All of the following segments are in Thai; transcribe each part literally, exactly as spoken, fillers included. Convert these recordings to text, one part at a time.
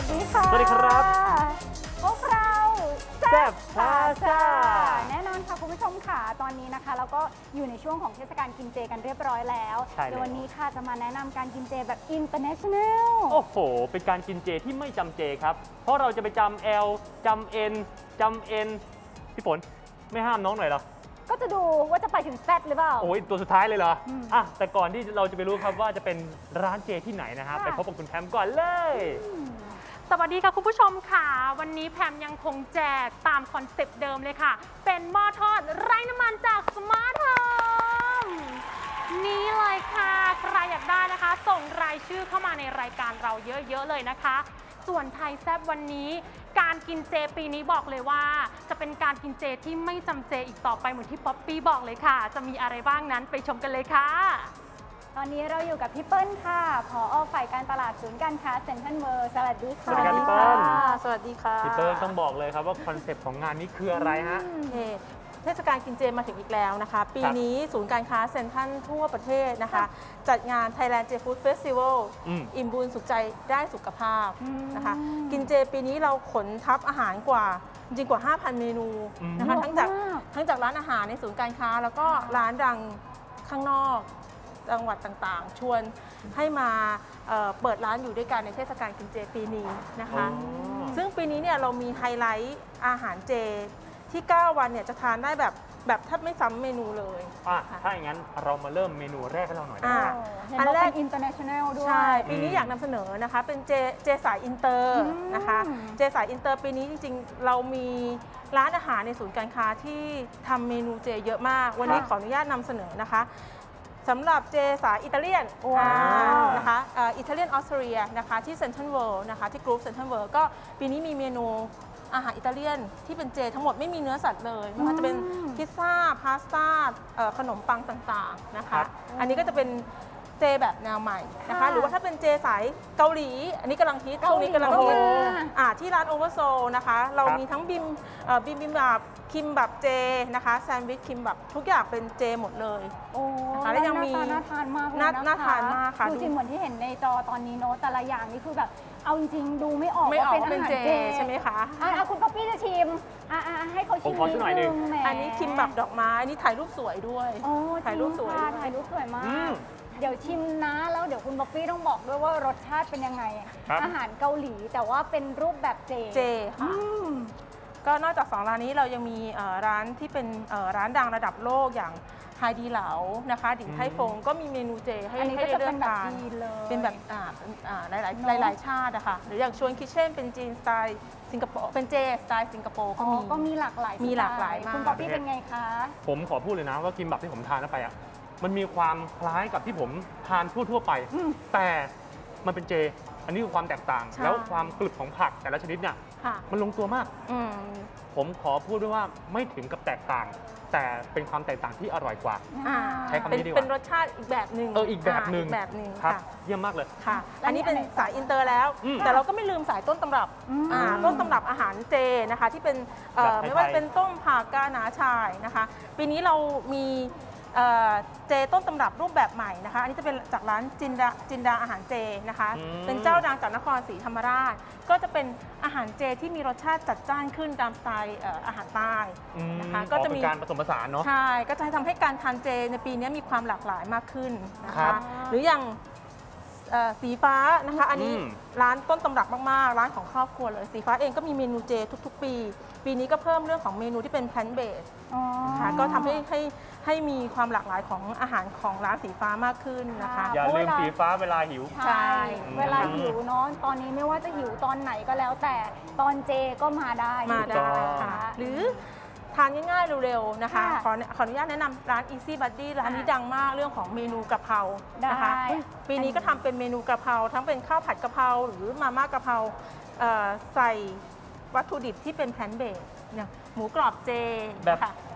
ดีค่ะสวัสดีครับพวกเราแซ่บพาซ่าแน่นอนค่ะคุณผู้ชมค่ะตอนนี้นะคะเราก็อยู่ในช่วงของเทศกาลกินเจกันเรียบร้อยแล้วใช่แล้วเดี๋ยววันนี้ค่ะจะมาแนะนำการกินเจแบบ international โอ้โห เป็นการกินเจที่ไม่จำเจครับ เพราะเราจะไปจำ L จำ N จำ N พี่ฝนไม่ห้ามน้องหน่อยเหรอก็จะดูว่าจะไปถึง Z หรือเปล่าโอ้ยตัวสุดท้ายเลยเหรออืมอ่ะแต่ก่อนที่เราจะไปรู้ครับว่าจะเป็นร้านเจที่ไหนนะฮะค่ะไปพบกับคุณแพมก่อนเลยสวัสดีค่ะคุณผู้ชมค่ะ วันนี้แพมยังคงแจกตามคอนเซปต์เดิมเลยค่ะ เป็นหม้อทอดไร้น้ำมันจากสมาร์ทโฮมนี่เลยค่ะ ใครอยากได้นะคะ ส่งรายชื่อเข้ามาในรายการเราเยอะๆเลยนะคะ ส่วนไทยแซบวันนี้ การกินเจปีนี้บอกเลยว่า จะเป็นการกินเจที่ไม่จำเจอีกต่อไปเหมือนที่ป๊อปปี้บอกเลยค่ะ จะมีอะไรบ้างนั้นไปชมกันเลยค่ะตอนนี้เราอยู่กับพี่เปิ้ลค่ะผอ.ฝ่ายการตลาดศูนย์การค้าเซ็นทรัลเวิลด์สวัสดีค่ะสวัสดีครับพี่เปิ้ลสวัสดีค่ะพี่เติ้ลต้องบอกเลยครับว่าคอนเซปต์ของงานนี้คืออะไรฮะโอเคเทศกาลกินเจมาถึงอีกแล้วนะคะ ปีนี้ศูนย์การค้าเซ็นทรัลทั่วประเทศนะคะ จัดงาน Thailand J Food Festival อืมอิ่มบุญสุขใจได้สุขภาพอืมนะคะ กินเจปีนี้เราขนทัพอาหารกว่าจริงๆกว่า ห้าพัน เมนูนะคะอืมทั้งจากเยอะมากทั้งจากร้านอาหารในศูนย์การค้า แล้วก็ร้านดังข้างนอกจังหวัดต่างๆ ชวนให้มาเอ่อเปิดร้านอยู่ด้วยกันในเทศกาลกินเจปีนี้นะคะอ๋อซึ่งปีนี้เนี่ยเรามีไฮไลท์อาหารเจที่ เก้า วันเนี่ยจะทานได้แบบแบบแทบไม่ซ้ำเมนูเลยอ่ะค่ะถ้าอย่างนั้นเรามาเริ่มเมนูแรกให้เราหน่อยได้อ่าไหมโอ้เห็นอันว่าแรกเป็น international ด้วยใช่ ปีนี้อยากนำเสนอนะคะ เป็นเจเจสายอินเตอร์อืมนะคะ เจสายอินเตอร์ปีนี้จริงๆ เรามีร้านอาหารในศูนย์การค้าที่ทำเมนูเจเยอะมาก วันนี้ขออนุญาตนำเสนอนะคะสำหรับเจสายอิตาเลียนว้าวนะคะอิตาเลียนออสเตรียนะคะที่เซ็นทรัลเวิลด์นะคะที่กรุ๊ปเซ็นทรัลเวิลด์ก็ปีนี้มีเมนูอาหารอิตาเลียนที่เป็นเจทั้งหมดไม่มีเนื้อสัตว์เลยไม่ว่าจะเป็นอืมพิซซ่า พาสต้าเอ่อขนมปังต่างๆนะครัคะบอันนี้ก็จะเป็นเจแบบแนวใหม่นะคะค่ะหรือว่าถ้าเป็นเจสายเกาหลี อันนี้กำลังฮิตเกาหลีช่วงนี้กำลังฮิตก็มาอ่าที่ร้านโอเวอร์โซนะคะ เราครับมีทั้งบิมเอ่อบิมบิมแบบคิมแบบเจนะคะแซนด์วิชคิมแบบทุกอย่างเป็นเจหมดเลยโอ้นะคะแล้วยังมีหน้าตาน่าทานมากเลยน่านะคะน่าทานมากค่ะดูจริงเหมือนที่เห็นในจอตอนนี้เนอะแต่ละอย่างนี่คือแบบเอาจริงๆดูไม่ออกไม่ออกว่าว่าเป็เป็น นอาหารเจเจใช่ไหมคะอ่ะอ่ะคุณป๊อปปี้จะชิมอ่ะอ่ะให้เขาชิมผมขอสักหน่อยหนึ่งแหมอันนี้คิมแบบดอกไม้อันนี้ถ่ายรูปสวยด้วยโอ้ถ่ายรูปสวยจงค่ะด้วยถ่ายรูปสวยมาอืกมเดี๋ยวชิมนะแล้วเดี๋ยวคุณป๊อปปี้ต้องบอกด้วยว่ารสชาติเป็นยังไงครับอาหารเกาหลีแต่ว่าเป็นรูปแบบเจเจอืค่ะมก็นอกจากสองร้านนี้เรายังมีเอ่อร้านที่เป็นเอ่อร้านดังระดับโลกอย่างไฮดีเหลานะคะดิ่งไทฟงก็มีเมนูเจให้อันนี้ให้ก็ได้จะเลืเป็อน กแบบทานจีนเลยเป็นแบบอ่าอ่าหลายหลายเนอะหลายหลายชาติอะค่ะหรืออย่างชวนคิเช่นเป็นจีนสไตล์สิงคโปร์เป็นเจสไตล์สิงคโปร์อ๋ก็อมีก็มีหลากหลายมีหลากหลายมากคุณป๊อปปี้เป็นไงคะผมขอพูดเลยนะว่ากิมบับที่ผมทานเข้าไปอ่ะมันมีความคล้ายกับที่ผมทานทั่วๆไปอืมแต่มันเป็นเจ อันนี้คือความแตกต่างใช่แล้วความกรึบของผักแต่ละชนิดเนี่ยค่ะมันลงตัวมากอืมผมขอพูดด้วยว่าไม่ถึงกับแตกต่าง แต่เป็นความแตกต่างที่อร่อยกว่าอ่าใช้คำนี้เป็นดีกว่าเป็นรสชาติอีกแบบหนึ่งเอออีกแบบหนึ่งาอีกแบบหนึ่งครับค่ะเยี่ยมมากเลยค่ะแล้วอันนี้เป็นอันไหนสายอินเตอร์แล้วอืมแต่เราก็ไม่ลืมสายต้นตำรับอืมอ่าต้นตำรับอาหารเจนะคะที่เป็นเอ่อแบบไทยๆไม่ว่าจะเป็นต้มผักกาหนาชายนะคะ ปีนี้เรามีเอ่อเจต้นตำรับรูปแบบใหม่นะคะ อันนี้จะเป็นจากร้านจินดาจินดาอาหารเจนะคะอืมเป็นเจ้าดังจากนครศรีธรรมราช ก็จะเป็นอาหารเจที่มีรสชาติจัดจ้านขึ้นตามสไตล์เอ่ออาหารใต้อืมนะคะก็ก็จะจะมีมีการผสมผสานเนาะใช่ ก็จะทำให้การทานเจในปีนี้มีความหลากหลายมากขึ้นนะครัคะบหรืออย่างเอ่อสีฟ้านะคะ อันนี้อืมร้านต้นตำรับมากๆ ร้านของครอบครัวเลย สีฟ้าเองก็มีเมนูเจทุกๆ ปี ปีนี้ก็เพิ่มเรื่องของเมนูที่เป็นแพลนเบสอ๋อนะคะก็ทำให้ให้ให้มีความหลากหลายของอาหารของร้านสีฟ้ามากขึ้นนะคะค่ะอย่าลืมสีฟ้าเวลาหิวใช่ใช่เวลาหิวเนาะตอนนี้ไม่ว่าจะหิวตอนไหนก็แล้วแต่ตอนเจก็มาได้มาอยู่ได้แล้วค่ะค่ะหรือทานง่ายๆเร็วๆนะคะค่ะขอขออนุญาตแนะนำร้าน Easy Buddy ร้านนี้ดังมากเรื่องของเมนูกะเพรานะคะได้ปีนี้ก็ทำเป็นเมนูกะเพราทั้งเป็นข้าวผัดกะเพราหรือมาม่ากะเพราเอ่อใส่วัตถุดิบที่เป็นแพลนเบสอย่างหมูกรอบเจแบบค่ะ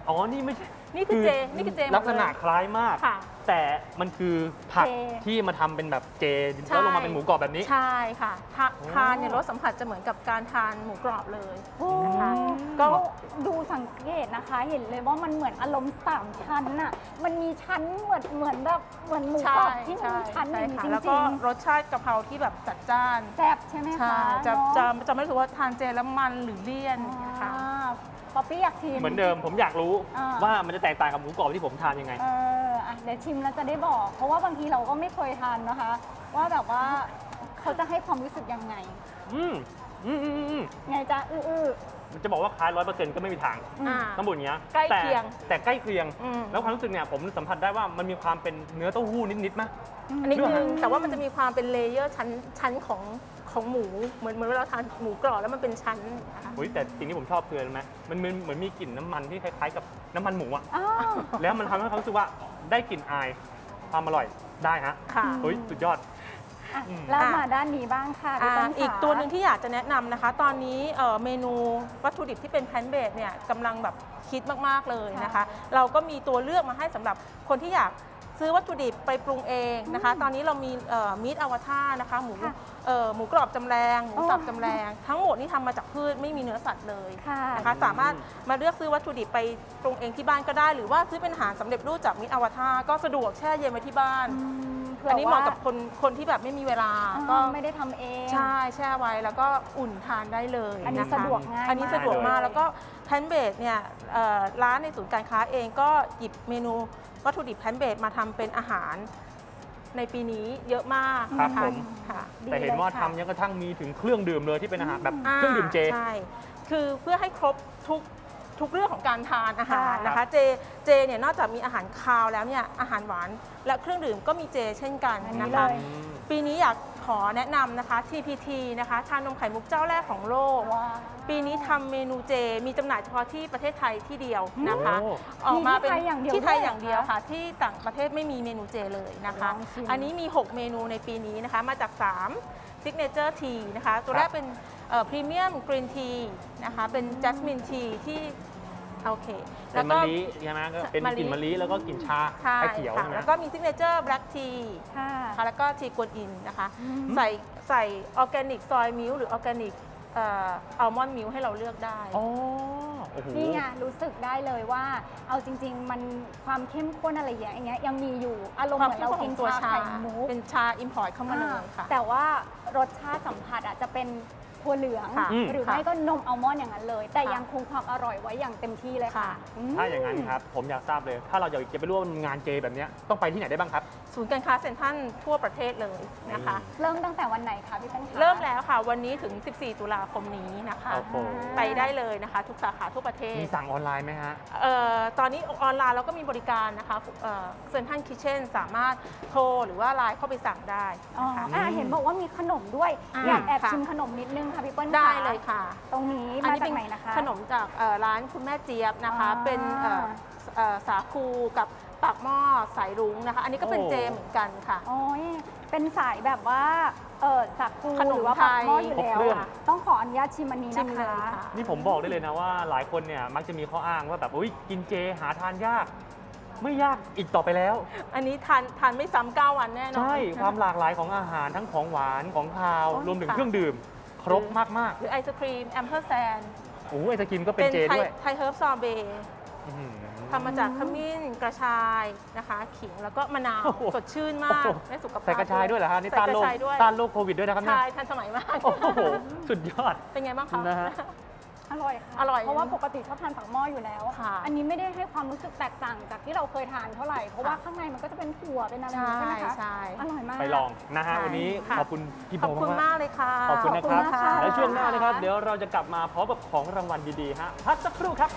อ๋อ นี่ไม่ใช่นี่คือเจนี่คือเจหมดเลยลักษณะคล้ายมากค่ะแต่มันคือผักเจที่มาทำเป็นแบบเจใช่แล้วลงมาเป็นหมูกรอบแบบนี้ใช่ค่ะทาโอ้ทานเนี่ยรสสัมผัสจะเหมือนกับการทานหมูกรอบเลยโอ้นะคะก็ดูสังเกตนะคะ เห็นเลยว่ามันเหมือนอารมณ์สามชั้นน่ะ มันมีชั้นเหมือนเหมือนแบบเหมือนหมูกรอบที่มันมีชั้นอย่างนี้ค่ะจแล้วริก็งรสชาติกะเพราที่แบบจัดจ้านๆแซ่บใช่ไหมใช่คะจะเนอจะจะไม่รู้สึกว่าทานเจแล้วมันหรือเลี่ยนอย่างเงี้ยค่ะอ่าป๊อปปี้อยากชิมเหมือนเดิมผมอยากรู้อ่าว่ามันจะแตกต่างกับหมูกรอบที่ผมทานยังไงเอออ่ะเดี๋ยวชิมแล้วจะได้บอก เพราะว่าบางทีเราก็ไม่เคยทานนะคะ ว่าแบบว่าเขาจะให้ความรู้สึกยังไงอืมอืมอืมอืมไงจ๊ะอื้ออื้อมันจะบอกว่าคล้ายร้อยเปอร์เซ็นต์ก็ไม่มีทางอืมอ่าต้องบอกอย่างเงี้ยใกล้แต่เคียงแต่ใกล้เคียงอืมแล้วความรู้สึกเนี่ยผมสัมผัสได้ว่ามันมีความเป็นเนื้อเต้าหู้นิดๆมั้ยอันนี้เรื่องคืออาหารแต่ว่ามันจะมีความเป็นเลเยอร์ชั้นชั้นของของหมูเหมือนเหมือนเวลาเราทานหมูกรอบแล้วมันเป็นชั้นนะคะเฮ้ยแต่สิ่งที่ผมชอบคืออะไรไหมมันเหมือนเหมือนมีกลิ่นน้ำมันที่คล้ายๆกับน้ำมันหมูอะอ้าวแล้วมันทำให้เขารู้สึกว่าได้กลิ่นอายความอร่อยได้ฮะค่ะเฮ้ยสุดยอดอ่ะอืมแล้วมาด้านนี้บ้างค่ะพี่อ่าต้นขาอีกตัวหนึ่งที่อยากจะแนะนำนะคะ ตอนนี้เอ่อเมนูวัตถุดิบที่เป็นแพนเบสเนี่ยกำลังแบบคิดมากๆเลยนะคะ เราก็มีตัวเลือกมาให้สำหรับคนที่อยากซื้อวัตถุดิบไปปรุงเองนะคะ ตอนนี้เรามีมีดอวตารนะคะหมูเอ่อหมูกรอบจำแรงหมูสับจำแรงทั้งหมดนี่ทำมาจากพืชไม่มีเนื้อสัตว์เลยค่ะนะคะสามารถมาเลือกซื้อวัตถุดิบไปปรุงเองที่บ้านก็ได้ หรือว่าซื้อเป็นอาหารสำเร็จรูปจากมิตรอวตารก็สะดวกแช่เย็นไว้ที่บ้านอืมเผื่อันนี้เหมาะว่กับคนคนที่แบบไม่มีเวลาอ่าก็ไม่ได้ทำเองใช่แช่ไว้แล้วก็อุ่นทานได้เลยอันนี้คสะดวกง่ายอันนี้มากสะดวกมากเลยแล้วก็แพนเบสเนี่ยเอ่อร้านในศูนย์การค้าเองก็หยิบเมนูวัตถุดิบแพนเบสมาทำเป็นอาหารในปีนี้เยอะมากนะครัคะบผมค่ะดีแต่เห็นว่าลยค่ะทำยังกระทั่งมีถึงเครื่องดื่มเลยที่เป็นอาหารแบบอ่าเครื่องดื่มเจใช่ คือเพื่อให้ครบทุกทุกเรื่องของการทานอาหารค่ะนะคะ เจ เจเนี่ยนอกจากมีอาหารคาวแล้วเนี่ยอาหารหวานและเครื่องดื่มก็มีเจเช่นกันอันนี้นะคะเลยปีนี้อยากขอแนะนำนะคะ ที พี ที นะคะ ชานมไข่มุกเจ้าแรกของโลกว้าวปีนี้ทำเมนูเจ มีจำหน่ายเฉพาะที่ประเทศไทยที่เดียวนะคะโอ้ออกมาเป็นมีที่ไทยอย่างเดียวที่ไทยด้วยเหรออย่างเดียวค่ะ ที่ต่างประเทศไม่มีเมนูเจเลยนะคะลองชิมอันนี้มี หก เมนูในปีนี้นะคะ มาจาก3 Signature Tea นะคะ ตัวแรกเป็นพรีเมียมกรีนทีนะคะ เป็นจัสมินทีที่โอเคเป็นมะลิใช่ไหมก็เป็นมะลิกลิ่นมะลิแล้วก็กลิ่นชาใช่ไอเขียวค่ะใช่ไหมแล้วก็มี Signature Black Tea ค่ะนะคะแล้วก็ทีกวนอินนะคะอืมใส่ใส่ออร์แกนิกซอยมิลหรือออร์แกนิกอัลมอนด์มิลให้เราเลือกได้อ๋อโอ้โหนี่ไงรู้สึกได้เลยว่า เอาจริง ๆ มันความเข้มข้นอะไรอย่างเงี้ยยังมีอยู่อารมณ์ความเหมือนเราเข้มข้นกิขอน งตัวชาชาไข่มุกเป็นชาอิมพอร์ตเข้ามาเลยค่ะแต่ว่ารสชาติสัมผัสอ่ะจะเป็นถั่วเหลืองค่ะหรือค่ะไม่ก็นมอัลมอนด์อย่างนั้นเลย แต่ค่ะยังคงความอร่อยไว้อย่างเต็มที่เลยค่ะค่ะอืมถ้าอย่างนั้นครับ ผมอยากทราบเลย ถ้าเราอยากจะไปร่วมงานเจแบบเนี้ยต้องไปที่ไหนได้บ้างครับศูนย์การค้าเซ็นทรัลทั่วประเทศเลยนะคะเริ่มตั้งแต่วันไหนคะพี่เป้นคะเริ่มแล้วค่ะวันนี้ถึง สิบสี่ ตุลาคมนี้นะคะโอ้โหไปได้เลยนะคะ ทุกสาขาทั่วประเทศมีสั่งออนไลน์ไหมฮะเอ่อตอนนี้ออนไลน์เราก็มีบริการนะคะเซ็นทรัลคิเช่นสามารถโทรหรือว่าไลน์เข้าไปสั่งได้อ๋อนะคะอ่ะเห็นบอกว่ามีขนมด้วยอ่าอยากแอบค่ะชิมขนมนิดนึงค่ะพี่เปิ้ลได้เลยค่ะตรงนี้อันมานี้จาเป็กนไหนนะคะขนมจากเอ่อร้านคุณแม่เจี๊ยบนะคะอ่าเป็นเอ่อเอ่อสาคูกับปากหม้อสายรุ้งนะคะ อันนี้ก็เป็นโอ้เจเหมือนกันค่ะโอ้ยเป็นสายแบบว่าเออสักคูขนมหรือว่าไทปักยหม้ออยู่ครบแล้วเครื่องอะต้องขออนุญาตชิมอันนี้ชินะมเลยคะค่ะนี่ผมบอกได้เลยนะว่าหลายคนเนี่ยมักจะมีข้ออ้างว่าแบบอุ้ยกินเจหาทานยาก ไม่ยากอีกต่อไปแล้วอันนี้ทานทานไม่ซ้ำเก้าวันแน่นอนใช่ความหลากหลายของอาหารทั้งของหวานของคาวโอ้ยรวมถึงค่ะเครื่องดื่ม ครบมากหรือไอศครีมแอมเ r อร์แซนๆโอ้ยไอศกรีมก็เป็นเจไทยด้วยไทยเฮิร์บซอเบอื้อหือทำมาจากขมิ้นกระชายนะคะ ขิงแล้วก็มะนาวโอ้โหสดชื่นมากโอ้โหได้สุขภาพใส่กระชายด้วยเหรอฮะนี่ใส่ต้านกโรระคชายด้วยต้านโรคโควิดด้วยนะครับเนี่ยใช่ทันสมัยมากโอ้โหสุดยอดเป็นไงบ้างคะนะฮะอร่อยค่ะอร่อยเพราะว่าปกติชอบทานปักหม้ออยู่แล้วค่ะอันนี้ไม่ได้ให้ความรู้สึกแตกต่างจากที่เราเคยทานเท่าไหร่ เพราะว่าค่ะข้างในมันก็จะเป็นถั่วเป็นอะไรใช่ใช่ไหมคะใช่อร่อยมากไปลองนะฮะใช่วันนี้ค่ะขอบคุณพี่โบขอบคุณมากมากเลยค่ะๆขอบคุณนะครับขอบคุณค่ะและช่วงหน้านะครับ เดี๋ยวเราจะกลับมาพร้อมกับของรางวัลดีๆฮะพักสักครู่ครับ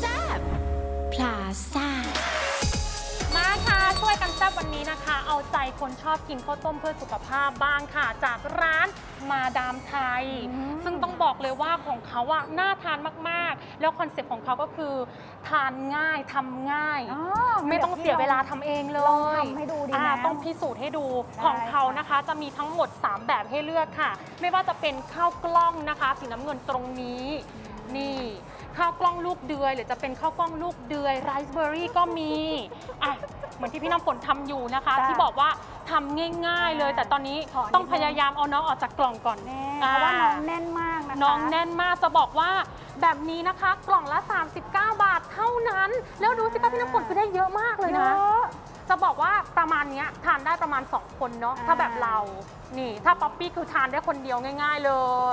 พลาซ่ามาค่ะช่วยกันแซ่บวันนี้นะคะ เอาใจคนชอบกินข้าวต้มเพื่อสุขภาพบ้างค่ะ จากร้านมาดามไทยอืมซึ่งต้องบอกเลยว่าของเขาอะน่าทานมากๆ แล้วคอนเซ็ปต์ของเขาก็คือทานง่ายทำง่ายอ๋อไม่ต้องเสียเวลาทำเองเลลองยทำให้ดูดีอ่านะต้องพิสูจน์ให้ดูได้ของเขานะคะจะมีทั้งหมด สาม แบบให้เลือกค่ะ ไม่ว่าจะเป็นข้าวกล้องนะคะ สีน้ำเงินตรงนี้ นี่ข้าวกล้องลูกเดือย หรือจะเป็นข้าวกล้องลูกเดือยไรซ์เบอร์รี่ก็มีอ่ะเหมือนที่พี่น้ำฝนทำอยู่นะคะจ้ะที่บอกว่าทำง่ายๆเลย แต่ตอนนี้ขอนิดนึงต้องพยายามเอาน้องออกจากกล่องก่อนแน่เพราะว่าน้องแน่นมากนะคะน้องแน่นมากจะบอกว่าแบบนี้นะคะ กล่องละ สามสิบเก้า บาทเท่านั้น แล้วดูสิคะพี่น้ำฝนคือได้เยอะมากเลยเยนะอะจะบอกว่าประมาณเนี้ยทานได้ประมาณ สอง คนเนาะอ่าถ้าแบบเรา นี่ ถ้าป๊อปปี้คือทานได้คนเดียวง่าย ๆ เลย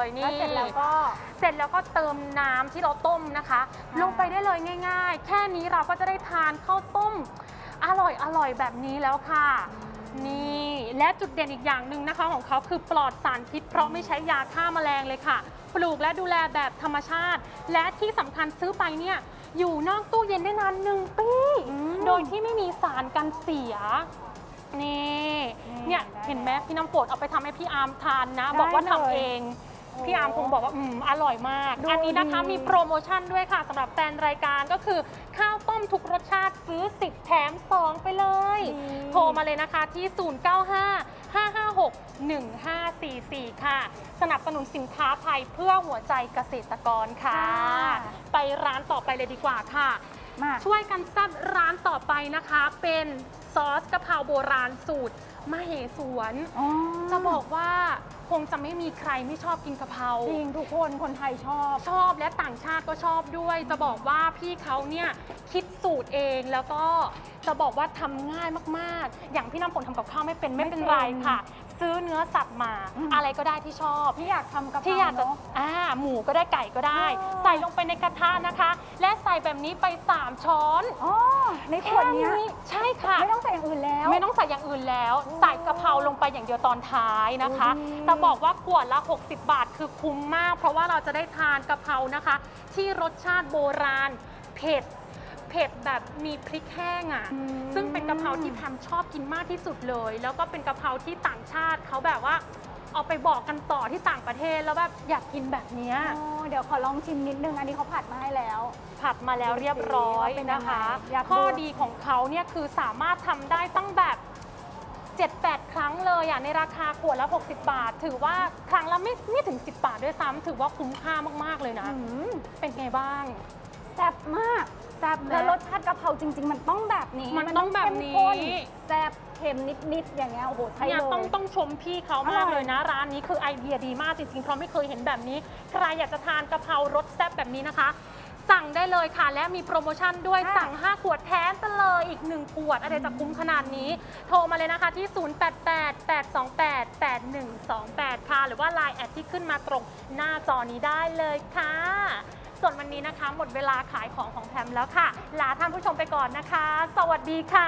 นี่แล้วเสร็จแล้วก็เสร็จแล้วก็เติมน้ำที่เราต้มนะคะค่ะลงไปได้เลยง่าย ๆ แค่นี้เราก็จะได้ทานข้าวต้ม อร่อยอร่อยแบบนี้แล้วค่ะ นี่และจุดเด่นอีกอย่างหนึ่งนะคะของเขาคือปลอดสารพิษ เพราะไม่ใช้ยาฆ่าแมลงเลยค่ะ ปลูกและดูแลแบบธรรมชาติ และที่สำคัญซื้อไปเนี่ยอยู่นอกตู้เย็นได้นานหนึ่งปีอืมโดยที่ไม่มีสารกันเสีย นี่นี่เนี่ยได้เห็นไหมพี่น้ำฝนเอาไปทำให้พี่อาร์มทานนะได้บอกว่าทำเลยเองโอ้พี่อาร์มคงบอกว่าอืมอร่อยมากดูอันนี้นะคะดีมีโปรโมชั่นด้วยค่ะสำหรับแฟนรายการก็คือข้าวต้มทุกรสชาติซื้อ สิบ แถม สอง ไปเลยดีโทรมาเลยนะคะที่ ศูนย์ เก้า ห้า ห้า ห้า หก หนึ่ง ห้า สี่ สี่ ค่ะ สนับสนุนสินค้าไทยเพื่อหัวใจเกษตรกรค่ะ ไปร้านต่อไปเลยดีกว่าค่ะมาช่วยกันแซ่บร้านต่อไปนะคะ เป็นซอสกะเพราโบราณสูตรมเหสวนอ๋อจะบอกว่าคงจะไม่มีใครไม่ชอบกินกะเพราจริงทุกคนคนไทยชอบชอบและต่างชาติก็ชอบด้วย จะบอกว่าพี่เขาเนี่ยคิดสูตรเองแล้วก็จะบอกว่าทำง่ายมากๆ อย่างพี่น้ำฝนทำกับข้าวไม่เป็นไม่เป็นไม่เป็นไรค่ะ ซื้อเนื้อสัตว์มาอืมอะไรก็ได้ที่ชอบที่อยากทำกะเพราที่อยากจะเนอะอ่าหมูก็ได้ไก่ก็ได้อ๋อใส่ลงไปในกระทะนะคะ และใส่แบบนี้ไปสามช้อนอ๋อในขวดเนี้ยแค่ใช่ค่ะไม่ต้องใส่อย่างอื่นแล้วไม่ต้องใส่อย่างอื่นแล้วโอ้ใส่กะเพราลงไปอย่างเดียวตอนท้ายนะคะโอ้ดีจะบอกว่าขวดละ หกสิบบาทคือคุ้มมาก เพราะว่าเราจะได้ทานกะเพรานะคะ ที่รสชาติโบราณ เผ็ด เผ็ดแบบมีพริกแห้งอ่ะอืมซึ่งเป็นกะเพราที่แพมชอบกินมากที่สุดเลย แล้วก็เป็นกะเพราที่ต่างชาติเขาแบบว่า เอาไปบอกกันต่อที่ต่างประเทศแล้วแบบอยากกินแบบเนี้ยอ๋อเดี๋ยวขอลองชิมนิดนึง อันนี้เขาผัดมาให้แล้วผัดมาแล้วเรียบร้อยดูสิว่าเป็นยังไงนะคะอยากดูข้อดีของเขาเนี่ยคือสามารถทำได้ตั้งแบบ เจ็ดแปด ครั้งเลยอ่ะในราคาขวดละ หกสิบบาท ถือว่าครั้งละไม่ไม่ถึง สิบบาทด้วยซ้ำถือว่าคุ้มค่ามาก ๆ เลยนะอืมเป็นไงบ้างแซ่บมากแซ่บนะแล้วรสชาติกะเพราจริง ๆ มันต้องแบบนี้มันต้องแบบนี้เข้มข้แซ่บเค็มนิด ๆ อย่างเงี้ยโอ้โหใช่เนี่ยเลยต้องต้องชมพี่เขามากเลยนะ ร้านนี้คือไอเดียดีมากจริงๆเพราะไม่เคยเห็นแบบนี้ ใครอยากจะทานกะเพรารสแซ่บแบบนี้นะคะ สั่งได้เลยค่ะ และมีโปรโมชั่นด้วยค่ะสั่ง ห้า ขวดแถมไปเลยอีก หนึ่ง ขวด อะไรจะคุ้มขนาดนี้ โทรมาเลยนะคะที่ ศูนย์ แปด แปด แปด สอง แปด แปด หนึ่ง สอง แปด ค่ะ หรือว่า ไลน์ แอดที่ขึ้นมาตรงหน้าจอนี้ได้เลยค่ะ ส่วนวันนี้นะคะ หมดเวลาขายของของแพมแล้วค่ะ ลาท่านผู้ชมไปก่อนนะคะ สวัสดีค่ะ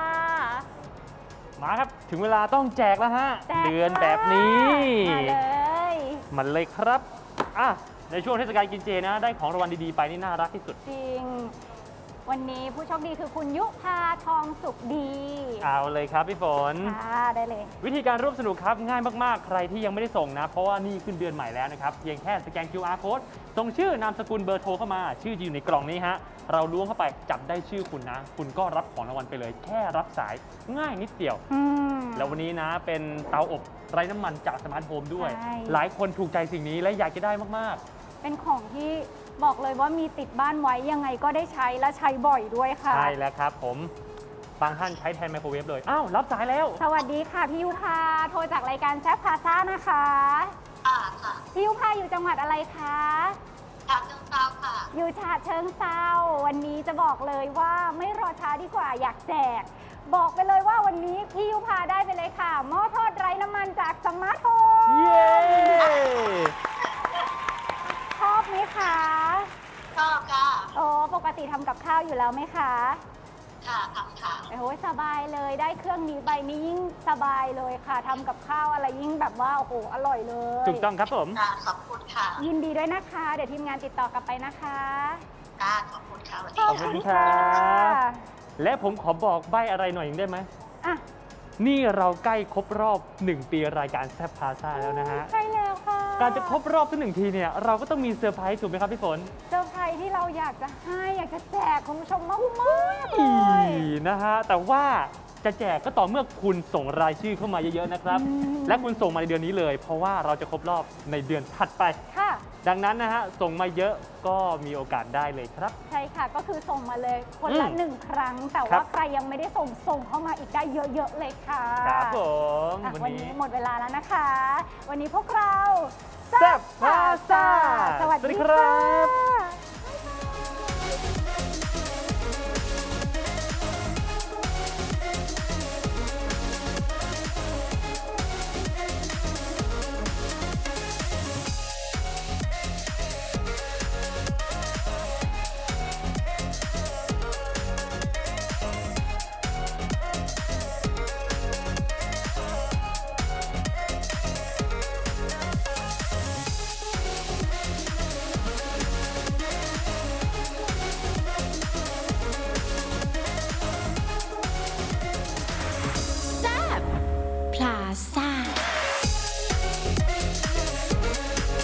มาครับ ถึงเวลาต้องแจกแล้วฮะแจกเดือนแบบนี้มาเลยมันเลยครับอ่ะในช่วงเทศกาลกินเจนะ ได้ของรางวัลดีๆไปนี่น่ารักที่สุดจริง วันนี้ผู้โชคดีคือคุณยุพาทองสุขดีเอาเลยครับพี่ฝนค่ะได้เลยวิธีการร่วมสนุกครับง่ายมากๆ ใครที่ยังไม่ได้ส่งนะ เพราะว่านี่ขึ้นเดือนใหม่แล้วนะครับ เพียงแค่สแกน คิว อาร์ code ส่งชื่อนามสกุลเบอร์โทรเข้ามา ชื่อจะอยู่ในกล่องนี้ฮะ เราล้วงเข้าไปจับได้ชื่อคุณนะ คุณก็รับของรางวัลไปเลย แค่รับสายง่ายนิดเดียวอืมแล้ววันนี้นะเป็นเตาอบไร้น้ำมันจากสมาร์ทโฮมด้วยใช่หลายคนถูกใจสิ่งนี้และอยากจะได้มากเป็นของที่บอกเลยว่ามีติดบ้านไว้ยังไงก็ได้ใช้และใช้บ่อยด้วยๆค่ะใช่แล้วครับผมบางท่านใช้แทนไมโครเวฟเลยอ้าวรับสายแล้วสวัสดีค่ะพี่ยุพาโทรจากรายการแซ่บพาซ่านะคะค่ะค่ะพี่ยุพาอยู่จังหวัดอะไรคะฉะเชิงเทราค่ะอยู่ฉะเชิงเซาวันนี้จะบอกเลยว่าไม่รอช้าดีกว่าอยากแจก บอกไปเลยว่าวันนี้พี่ยุพาได้ไปเลยค่ะหม้อทอดไร้น้ำมันจากสมาร์ทโฮมเย้ชอบไหมคะชอบค่ะโอ้ปกติทำกับข้าวอยู่แล้วไหมคะค่ะทำค่ะโอ้ยสบายเลยได้เครื่องนี้ใบนี้ยิ่งสบายเลยค่ะทำกับข้าวอะไรยิ่งแบบว่าโอ้โหอร่อยเลยถูกต้องครับผมค่ะ ขอบคุณค่ะยินดีด้วยนะคะ เดี๋ยวทีมงานติดต่อกลับไปนะคะค่ะ ขอบคุณค่ะสวัสดีขอบค่ะคุณครับ และผมขอบอกใบอะไรหน่อยได้ไหมอ่ะนี่เราใกล้ครบรอบหนึ่งปีรายการแซ่บพาซ่าแล้วนะฮะใช่แล้วค่ะการจะครบรอบสักหนึ่งทีเนี่ยเราก็ต้องมีเซอร์ไพรส์ถูกไหมครับพี่ฝนเซอร์ไพรส์ที่เราอยากจะให้อยากจะแจกคุณผู้ชมมากมากๆเลอียนะฮะแต่ว่าจะแจกก็ต่อเมื่อคุณส่งรายชื่อเข้ามาเยอะๆนะครับอืมและคุณส่งมาในเดือนนี้เลย เพราะว่าเราจะครบรอบในเดือนถัดไปค่ะดังนั้นนะฮะส่งมาเยอะก็มีโอกาสได้เลยครับใช่ค่ะก็คือส่งมาเลยคนละอืมหนึ่งครั้ง แต่ครัว่าบใครยังไม่ได้ส่งส่งเข้ามาอีกได้เยอะๆเลยค่ะครับผมอ่ะวันวันนี้นี้หมดเวลาแล้วนะคะ วันนี้พวกเราแซ่บพาซ่าสวัสสวัสดีดีคครัรับ บ